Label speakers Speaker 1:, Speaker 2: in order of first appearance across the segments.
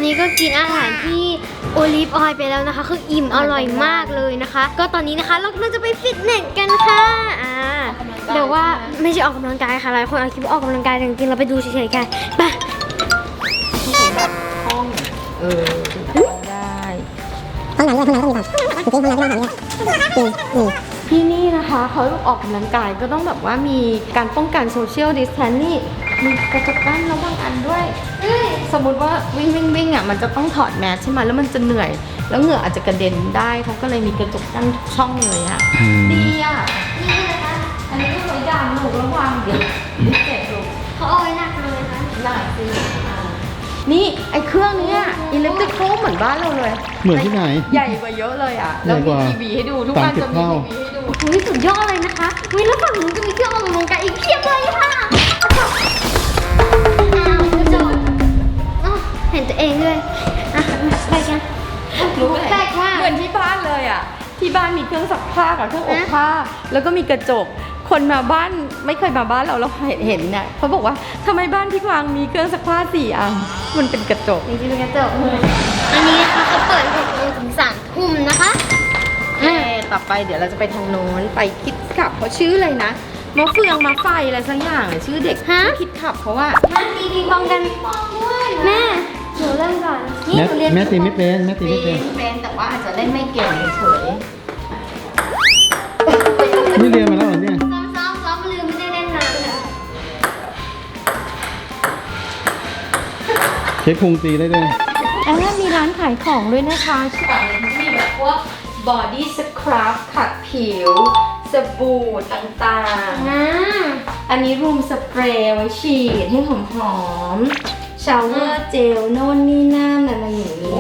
Speaker 1: นี้ก็กินอาหารที่โอลิฟออยล์ไปแล้วนะคะคืออิ่มอร่อยมากเลยนะคะ ก็ตอนนี้นะคะเรากำลังจะไปฟิตเนสกันค่ะเดี๋ยวว่าไม่ใช่ออกกำลังกายค่ะหลายคนอาจคิดว่าออกกำลังกายแต่จริงๆเราไปดูเฉยๆกันไป
Speaker 2: ห้องได้
Speaker 3: ห้องน้ำด้วยห้องน้ำต้องมีก่อนจริงๆห้องน้ำต้องมีก่อนจริง
Speaker 2: ที่นี่นะคะเขาออกกำลังกายก็ต้องแบบว่ามีการป้องกันโซเชียลดิสแทนนี่มีกระจกกั้นระหว่างอันด้วยสมมติว่าวิ่งอ่ะมันจะต้องถอดแมสใช่ไหมแล้วมันจะเหนื่อยแล้วเหงื่ออาจจะกระเด็นได้เขาก็เลยมีกระจกกั้นทุกช่องเลยอ่ะดีอ่ะนี่นะคะอันนี้ก็ไว้ดามลูกระวังเดี๋ยวเจ็บลูก
Speaker 1: เขาเอาไว้หนักเลยนะ
Speaker 2: หนักสินี่ไอ้เครื่องนี้อิเล็กทริกโคเหมือนบ้านเราเลย
Speaker 4: เหมือนที่ไหน
Speaker 2: ใหญ่กว่าเยอะเลยอ่ะแล้วมีทีวีให้ดูทุกวันจะมีทีวีให้ดู
Speaker 1: อุ้ยสุดยอดเลยนะคะอุ้ยแล้วฝั่งนู้นก็มีเครื่องออกกำลังกายอีกเพียบเลยค่ะกระจกเห็นตัวเองด้วยไปกัน
Speaker 2: รู้ไหม
Speaker 1: แปลกมาก
Speaker 2: เหมือนที่บ้านเลยอ่ะที่บ้านมีเครื่องซักผ้ากับเครื่องอบผ้าแล้วก็มีกระจกคนมาบ้านไม่เคยมาบ้านเราเห็นเนี่ยเขาบอกว่าทำไมบ้านพี่กวางมีเครื่องซักผ้า4 อันมันเป็นกระจก
Speaker 1: จริงๆเป็นกระจกอันนี้นะคะเขาเปิด6 โมงถึง 3 ทุ่มนะคะ
Speaker 2: ต่อไปเดี๋ยวเราจะไปทางโน้นไปคิดขับเขาชื่ออะไรนะมะเฟืองมะไฟอะไรสักอย่างชื่อเด็กคิดขับเพราะว่า
Speaker 1: มาตีปิงปองกันแม่หนูเริ่มก่อนนี่หนูเรียน
Speaker 4: แม่ตีไม่เป็นแม่ตีไม่เป็น
Speaker 2: เป็นแต่ว่าอาจจะเล่นไม่เก่งเฉย
Speaker 4: นี่เรียนมาแล้วเหรอเนี่ย
Speaker 1: ซ้อมลืมไม่ได้เล่นน้ำเนี่ย
Speaker 4: เช็คพุงตีได้ด้วย
Speaker 2: แล้วมีร้านขายของด้วยนะคะชื่ออะไรมีแบบพวก body scrub ขัดผิวสบู่ต่างๆอันนี้รูมสเปรย์ไว้ฉีดให้หอมๆชาวเวอร์เจลโน่นนี่นั่นอะไรอย่างนี้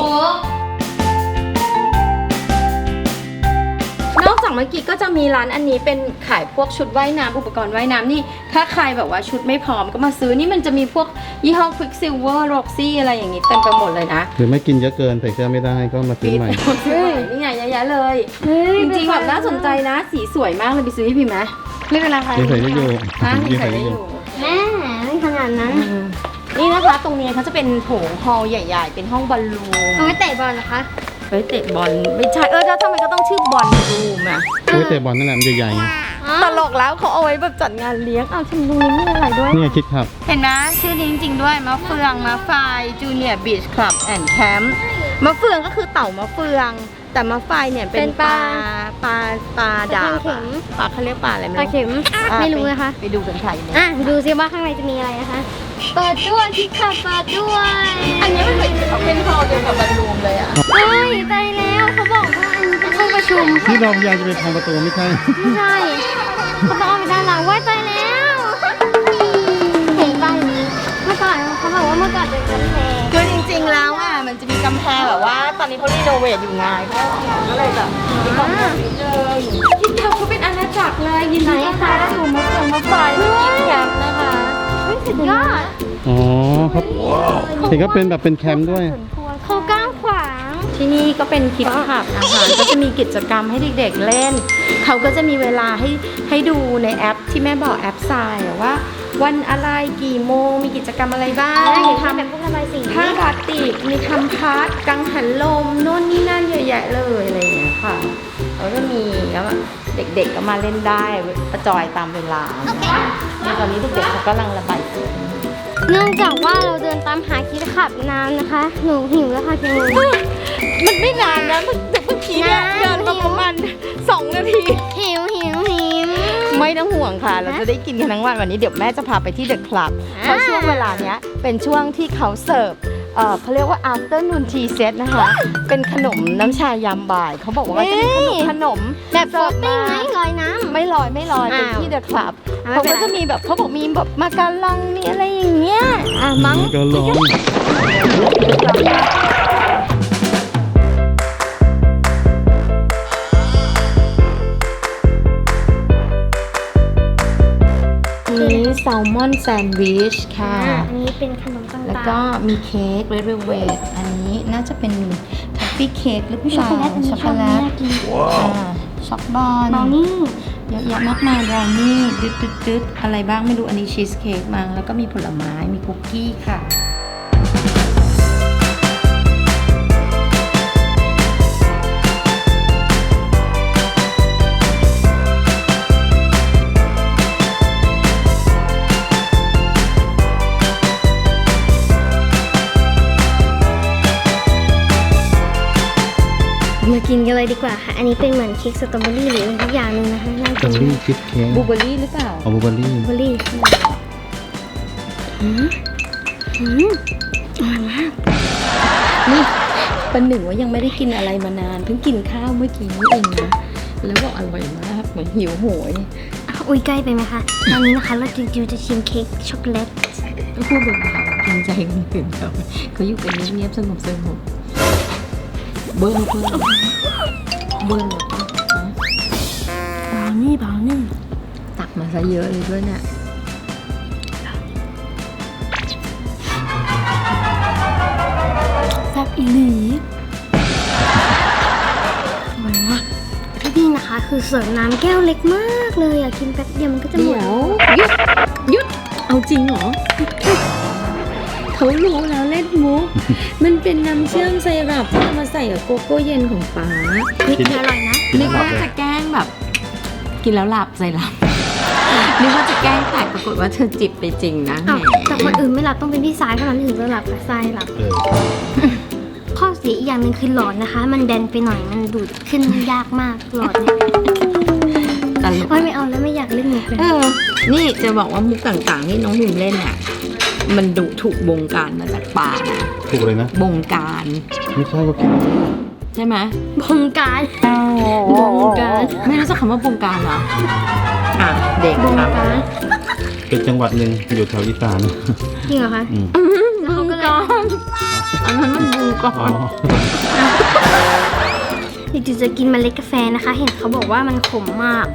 Speaker 2: นอกจากเมื่อกี้ก็จะมีร้านอันนี้เป็นขายพวกชุดว่ายน้ำอุปกรณ์ว่ายน้ำนี่ถ้าใครแบบว่าชุดไม่พร้อมก็มาซื้อนี่มันจะมีพวกยี่ห้อ Quicksilver Roxy อะไรอย่างนี้เต็มไปหมดเลยนะ
Speaker 4: หรือไม่กินเยอะเกินใส่เสื้อไม่ได้ก็มาซื้อใหม่
Speaker 2: นี่ไงเยอะแยะเลยจริงๆแบบน่าสนใจนะสีสวยมากเลยไปซื้อให้พี่ไหมไม่เป็นไรค่ะ
Speaker 4: ยังใส่ได้อยู่
Speaker 2: ยังใส่ได้อยู่
Speaker 1: แม่ไม่ขนาดนั้น
Speaker 2: นี่นะคะตรงนี้เขาจะเป็นโถงฮอลล์ใหญ่ๆเป็นห้องบอลลูม
Speaker 1: เอาไว้เตะบอลนะคะ
Speaker 2: เฮ้ยเตะบอลไม่ใช่แล้วทำไมก็ต้องชื่อบอลรูมอ่ะ
Speaker 4: โอ้ยเตะบอลนั่นแหละมันใหญ่ๆไง
Speaker 2: ตลกแล้วเขาเอาไว้แบบจัดงานเลี้ยงเอาชิมตรงนี้มีอะไรด้วย
Speaker 4: นี่ไงคิดครับ
Speaker 2: เห็นนะชื่อนี้จริงๆด้วยมะเฟืองมะไฟจูเนียร์บีชคลับแอนด์แคมป์มะเฟืองก็คือเต่ามะเฟือง แต่มะไฟเนี่ยเป็นปลาดาบปลาเขาเรียกปลาอะไรไม่
Speaker 1: ปลา
Speaker 2: รู้
Speaker 1: เข็มไม่รู้นะคะ
Speaker 2: ไปดูกันค่ะอยู่เนี่ย
Speaker 1: ดูซิว่าข้างในจะมีอะไรนะคะเปิดด้วยคิดค่ะเปิดด้วย
Speaker 2: อันนี้มันเป็นฮอลล์เดียวกับบอลลูมเลยอ่ะ
Speaker 1: เฮ้ยตายแล้วเขาบอกว่าอันนี้เป็นห้องประชุม
Speaker 4: ที่เราพยายามจะไปทางประตูไม่ใช่
Speaker 1: ไม่ใช่เขาต้องเอาไปด้านหลังว้ายตายแล้วเห็นป้ายนี้เมื่อก่อนเขาบอกว่าเมื่อก่อนเป็นกำแพง
Speaker 2: คือจริงๆแล้วอ่ะมันจะมีกำแพงแบบว่าตอนนี้เขารีโนเวทอยู่ไงก็เลยแบบมีความแบบนิดนึงคิดแคมป์เขาเป็นอาณาจักรเลยยินดีต้อนรับสู่มะเฟืองมะไฟและคิดแคมป์นะคะ
Speaker 1: สุดยอด
Speaker 4: อ๋อครับเห็นก็เป็นแบบเป็นแคมป์ด้วย
Speaker 1: เขาก้าวขวาง
Speaker 2: ที่นี่ก็เป็นคิดขับนะคะก็จะมีกิจกรรมให้เด็กๆเล่นเขาก็จะมีเวลาให้ดูในแอปที่แม่บอกแอปทรายว่าวันอะไรกี่โมงมีกิจกรรมอะไรบ้าง
Speaker 1: เห็น
Speaker 2: มี
Speaker 1: ทำ
Speaker 2: ทำ
Speaker 1: แบบพวกระบายสี
Speaker 2: ผ้าบาติกมีทำพาร์ทกังหันลมโน่นนี่นั่นเยอะแยะเลยอะไรอย่างเงี้ยค่ะแล้วก็มีแล้วเด็กๆก็มาเล่นได้ประจอยตามเวลาในตอนนี้เด็กๆเขากำลังระบายสี
Speaker 1: เนื่องจากว่าเราเดินตามหาคิดขับนานนะคะ หนูหิวแล้วค่ะเพียง
Speaker 2: มันไม่นานนะเมื่อกี้เนี่ยเดินมาประมาณ2 นาที
Speaker 1: หิว
Speaker 2: ไม่ต้องห่วงค่ะ เราจะได้กินกันทั้งวันนี้เดี๋ยวแม่จะพาไปที่เดอะคลับเพราะช่วงเวลาเนี้ยเป็นช่วงที่เขาเสิร์ฟเขาเรียกว่า afternoon tea set นะคะ เป็นขนมน้ำชายามบ่ายเขาบอกว่าจะมีขนม
Speaker 1: แบบโฟตติ้งไหมลอยน้ำ
Speaker 2: ไม่ลอยเป็นที่เดอะคลับ
Speaker 1: อ้าว
Speaker 2: เขาก็จะมีแบบเขาบอกมีแบบมาการองมีอะไรอย่างเงี้ยมั้ง
Speaker 4: ก็ร้อง
Speaker 2: นี่แซลมอนแซนด์วิชค่ะ
Speaker 1: อันนี้เป็นขนมต่างๆ
Speaker 2: แล้วก็มีเค้กเรดเวลเวทอันนี้น่าจะเป็นทัฟฟี่เค้กหรือเปล่า
Speaker 1: ช็อกโกแลตอันนี้
Speaker 2: ช็อกโกแลต
Speaker 1: น่ากิน
Speaker 2: ช็อกบอล
Speaker 1: บราวนี่
Speaker 2: เยอะแยะมากมายบราวนี่ดึดอะไรบ้างไม่รู้อันนี้ชีสเค้กมั้งแล้วก็มีผลไม้มีคุกกี้ค่ะ
Speaker 1: กินกันเลยดีกว่าค่ะ อันนี้เป็นเหมือนเค้กสตรอเบอรี่หรืออะไรทุกอย่างหนึงนะคะน่า
Speaker 4: สตร
Speaker 1: กิ
Speaker 4: อน เบอรี่ชีสเค้ก
Speaker 2: บลูเบอร์รี่หรือเปล่า
Speaker 4: บลูเบอร์รี่
Speaker 1: สตรอเบอรี่อืมอืมอร่อยมาก
Speaker 2: นี่ประหนึ่งว่ายังไม่ได้กินอะไรมานาน เพิ่งกินข้าวเมื่อกี้นี่เองนะแล้วบอกอร่อยมากเหมือนหิวโหย
Speaker 1: อุ้ยใกล้ไปไหมคะ ตอนนี้นะคะเราจิวจะชิมเค้กช็อกโกแลต
Speaker 2: ก็พูดเบาๆเกรงใจคนอื่นเขาอยู่กันเงียบๆสงบเบิ้ลหรอปะ
Speaker 1: บราวนี่บราวนี่
Speaker 2: ตักมาซะเยอะเลยด้วยเนี่ย
Speaker 1: แซ่บอีหลีอร่อยมากที่นี่นะคะคือเสิร์ฟน้ำแก้วเล็กมากเลยอะกินแป๊บเดียวมันก็จะหม
Speaker 2: เดี๋
Speaker 1: ด
Speaker 2: ยวหยุดเอาจริงเหรอเขารู้แล้วเล่นมุกมันเป็นน้ำเชื่อมไซรัปที่เอามาใส่กับโกโก้เย็นของป๊า
Speaker 1: นี่คืออร่อยนะ
Speaker 2: นึกว่าจะแกล้งแบบ กินแล้วหลับไซรัปนึกว่าจะแกล้งแต่ปรากฏว่าเธอจิบไปจริงนะ
Speaker 1: อ้าวแต่คนอื่นไม่หลับต้องเป็นพี่สายเท่านั้นถึงจะหลับกับทรายหลับ ข้อเสียอีกอย่างหนึ่งคือหลอดนะคะ มันแบนไปหน่อยมันดูดขึ้นยากมากหลอดเนี่ย
Speaker 2: ตลก
Speaker 1: ไม่เอาแล้วไม่อยากเล่นมุกเลย
Speaker 2: นี่จะบอกว่ามุกต่างๆที่น้องพิมเล่นเนี่ยมันดูถูกบงการมาจากป่านะ
Speaker 4: ถูกเลยนะ
Speaker 2: บงการ
Speaker 4: ไม่ใช่ก็คิด
Speaker 2: ใช่ไหม
Speaker 1: บงการบงการ
Speaker 2: ไม่รู้จักคำว่าบงการเหรออ่ะเด็ก
Speaker 1: บง
Speaker 2: ครับ
Speaker 1: การ
Speaker 4: เป็นจังหวัดหนึ่งอยู่แถวอีสาน
Speaker 1: จริงเหรอคะ
Speaker 4: อืม
Speaker 1: แล้วเขาก็เลย
Speaker 2: อันนั้นมันบงกา
Speaker 4: อ๋อ
Speaker 1: เดี๋ยวจะกินเมล็ดกาแฟนะคะ เห็นเขาบอกว่ามันขมมาก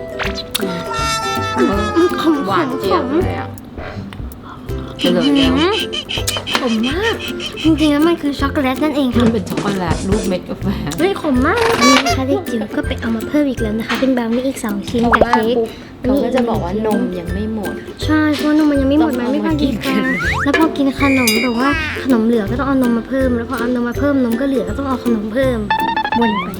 Speaker 1: มันขม
Speaker 2: หวานเจี๊ยบเลยอ่ะเฉลยแล้ว
Speaker 1: ขมมาก จริงๆแล้วมันคือช็อกโกแลตนั่นเอง
Speaker 2: มั
Speaker 1: ค่ะ
Speaker 2: นเป็นช็อกโกแลตรูปเม็ดกาแฟ
Speaker 1: เฮ้ยขมมากนี่นะคะเด็กจิ๋วก็ไปเอามาเพิ่มอีกแล้วนะคะ เป็นบราวนี่อีก2ชิ้นกับเค้ก
Speaker 2: เขาก็จะบอกว่านมยังไม่หมด
Speaker 1: ใช่เพราะว่านมมันยังไม่หมด
Speaker 2: ต้
Speaker 1: มั
Speaker 2: อน ง
Speaker 1: ไม่พอ
Speaker 2: เอามากิ
Speaker 1: ดี
Speaker 2: น
Speaker 1: ค่ะ
Speaker 2: กัน
Speaker 1: แล้วพอกินขนมแบบว่าขนมเหลือก็ต้องเอานมมาเพิ่ม แล้วพอเอานมมาเพิ่มนมก็เหลือก็ต้องเอาขนมเพิ่มวนไป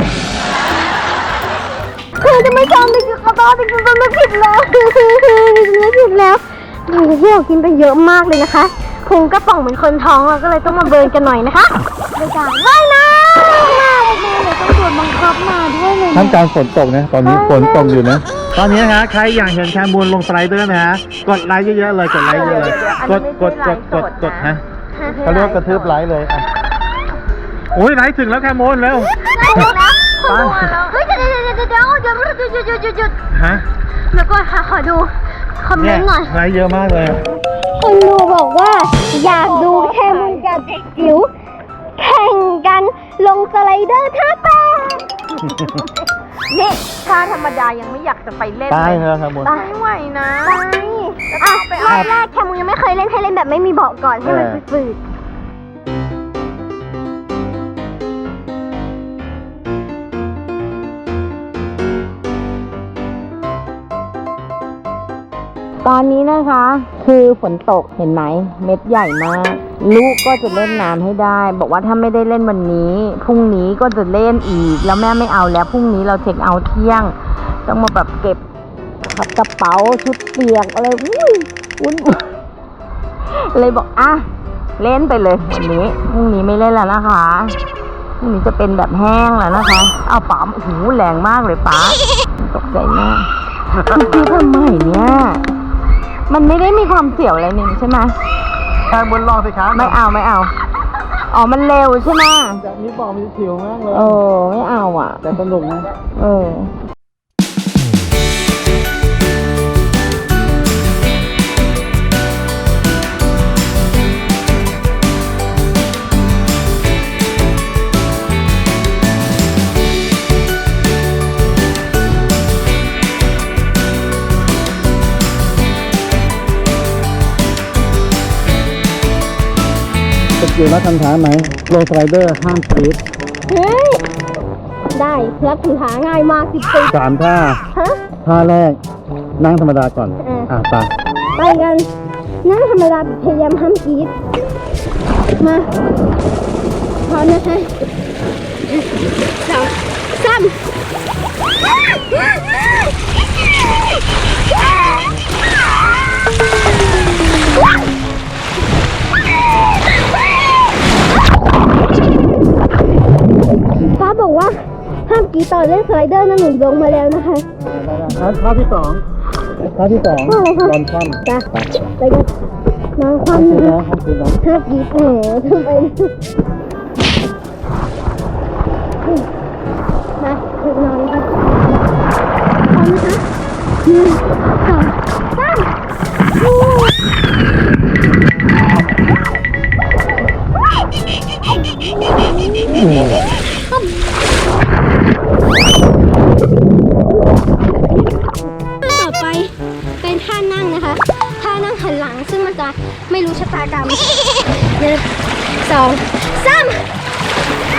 Speaker 1: คือจะไม่จำเลยขอโทษจริงๆไม่ผิดแล้วไม่ผิดแล้วโอ้โหที่เรากินไปเยอะมากเลยนะคะพุงกระป๋องเหมือนคนท้องเราก็เลยต้องมาเบิร์นกันหน่อยนะคะในการว่ายน้ำเลยต้องโดนบังคับมาด้วยเลย
Speaker 4: ท่ามกลางฝนตกนะ ตอนนี้ฝนตกอยู่นะ ตอนนี้นะฮะใครอยากเห็นแคมูลลงสไลเดอร์นะฮะ กดไลค์เยอะๆเลย กดไลค์เยอะเลย กดฮะเขาเรียกว่ากระทืบไลค์เลยอ่ะโอ้ยไลค์ถึงแล้วแคมูลเร็ว
Speaker 1: ได้แล้วเฮ้ยเดี๋ยว
Speaker 4: ฮะ
Speaker 1: แล้วก็ขอดูคอมเม
Speaker 4: เนี่ย
Speaker 1: นต์หน่อย
Speaker 4: ไลค์เยอะมากเลย
Speaker 1: คนดูบอกว่าอยากดูแคมุนกับเด็กจิ๋วแข่งกันลงสไลเดอร์ท่าแปด
Speaker 2: นี่ถ้าธรรมดายังไม่อยากจะไปเล่น
Speaker 4: ตาย
Speaker 2: เลย
Speaker 4: แล้วแคมูล
Speaker 2: ไม่ไหวนะ
Speaker 1: ไปรอบแรกแคมุนยังไม่เคยเล่นให้เล่นแบบไม่มีเบาะก่อนให้มันฝืด
Speaker 2: ตอนนี้นะคะคือฝนตกเห็นไหมเม็ดใหญ่มาก ลูกก็จะเล่นน้ำให้ได้ บอกว่าถ้าไม่ได้เล่นวันนี้พรุ่งนี้ก็จะเล่นอีก แล้วแม่ไม่เอาแล้วพรุ่งนี้เราเช็คเอาท์เที่ยง ต้องมาแบบเก็บกระเป๋าชุดเปียกอะไรวุ่นเลยบอกอ่ะเล่นไปเลยวันนี้พรุ่งนี้ไม่เล่นแล้วนะคะพรุ่งนี้จะเป็นแบบแห้งแล้วนะคะเอาป๋าโอ้โหแรงมากเลยป๋าตกใจมากคือทำไมเนี่ยมันไม่ได้มีความเสี่ยวอะไรนี่ใช่ไหม
Speaker 4: แคมูลลองสิครับ
Speaker 2: ไม่เอาอ๋อมันเร็วใช่ไหม
Speaker 4: จากนี้บอกมีผิวมากเลย
Speaker 2: ไม่เอาอ่ะ
Speaker 4: แต่สนุกนะ สกิลนักทำท้าไหมลงสไลเดอร์ห้ามสปีด
Speaker 1: เฮ้ยได้แล้วถือหาง่ายมาก10 ปี
Speaker 4: 3 ท่า
Speaker 1: ฮะ
Speaker 4: ท่าแรกนั่งธรรมดาก่อน ไป
Speaker 1: ไปกันนั่งธรรมดาพยายามห้ามกรีดมาพร้อมนะคะ2 3ป้าบอกว่าเล่นสไลเดอร์นะหนูลงมาแล้วนะคะ
Speaker 4: ท่าที่สองบอลคว่ำ
Speaker 1: จ้ะไปกันน้องความ
Speaker 4: ห้อง
Speaker 1: นะ
Speaker 4: คืนนะ
Speaker 1: ถ้ากีบแหมทำไปมาถึงนอนกันพร้อมนะคะต่อไปเป็นท่านั่งนะคะท่านั่งหันหลังซึ่งมันจะไม่รู้ชะตากรรม1 2 3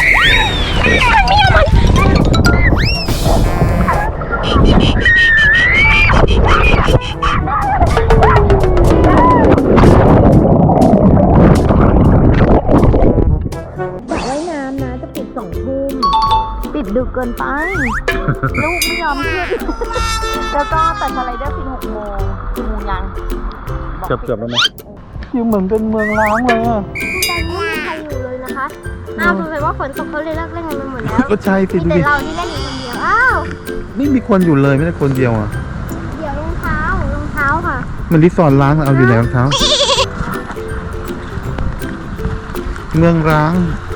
Speaker 2: ว่ายน้ำนะจะปิด2 ทุ่มปิดดึกเกินไปลูกไม่ยอมขึ้นแล้วก็แต่สไลเดอร์ปิด6 โมงกี่โมงยัง
Speaker 4: เกือบแล้วไหมอยู่เหมือนเป็นเมืองร้างเลยอ่ะ
Speaker 1: ตอนนี้ไม่มีใครอยู่เลยนะคะอ้าวสงสัยว่าฝนตกเขาเลยเลิกเล่นกันไปหมดแล้ว
Speaker 4: ก็ใช่สิ
Speaker 1: มี
Speaker 4: ดู
Speaker 1: แต่
Speaker 4: ดิ
Speaker 1: เราที่เล่นอยู่คนเดียวอ้าว
Speaker 4: ไม่มีคนอยู่เลยไม่ได้คนเดียวอ่ะ
Speaker 1: เดี๋ยวรองเท้ค่ะ
Speaker 4: มันรีสอร์ทร้างเอาอยู่ไหนรองเท้า เมืองร้าง
Speaker 1: เ